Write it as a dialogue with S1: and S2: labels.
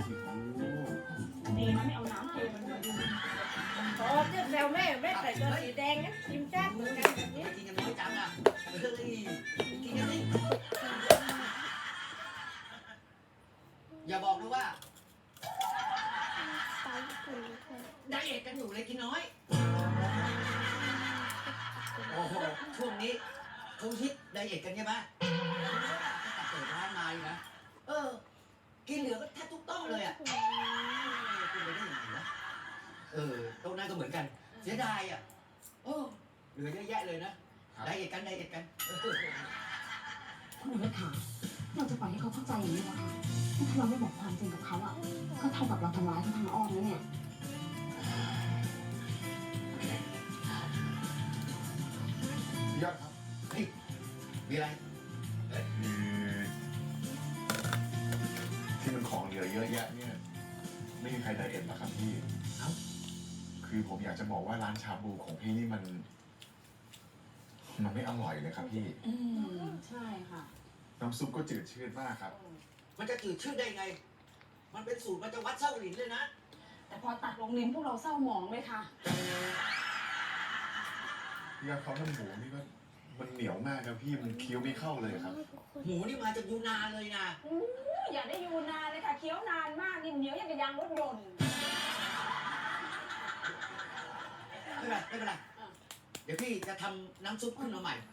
S1: ดีนะไม่เอาน้ำเทมันด้วย
S2: พอเจ้าแซวแม่ใส่ตัวสีแดงนะชิมชาติเหมือนกันแบบนี้
S3: กินกันน้อยจังอ่ะเฮ้ยกินกันดิอย่าบอกนะว่าไดเอทกันอยู่เลยกินน้อยโอ้โหช่วงนี้เขาฮิตไดเอทกันใช่ไหมตั้งแต่เปิดร้านมาอยู่นะกินเหลือก็แทบทุกโต๊ะเลยอ่ะกินไปได้ยังไงวะโต๊ะนั้นก็เหมือนกันเสียดายอ่ะเหลือเยอะแยะเลยนะไดเอทกัน
S4: คุณหนูถามเราจะปล่อยให้เขาเข้าใจอย่างนี้เหรอคะถ้าเราไม่บอกความจริงกับเขาอ่ะก็เท่ากับเราทำร้ายเขาทางอ้อมแล้วเนี่ย
S3: ยอดครับเฮ้ยมีอะไร
S5: ที่มันของเหลือเยอะแยะเนี่ยไม่มีใครไดเอทหรอกครับพี่คือผมอยากจะบอกว่าร้านชาบูของพี่นี่มันไม่อร่อยเลยครับพี่
S4: ใช่ค่ะ
S5: น้ำซุปก็จืดชืดมากครับ
S3: มันจะจืดชืดได้ไงมันเป็นสูตรมันจะวัดเส้าหลินเลยนะ
S4: แต่พอตัดลงลิ้นพวกเราเศร้าหมองเลยค่ะ
S5: พี่ว่าเขาทำหมูนี่ก็มันเหนียวมากครับพี่มันเคี้ยวไม่เข้าเลยครับ
S3: หมูนี่มาจากยูนานเลยนะ
S4: อย่าได้ยูนานเลยค่ะเคี้ยวนานมากนิ่มเหนียวอย่างกับยางรถยนต์
S3: ไม่เป็นไรเดี๋ยวพี่จะทำน้ำซุปขึ้นมาใหม่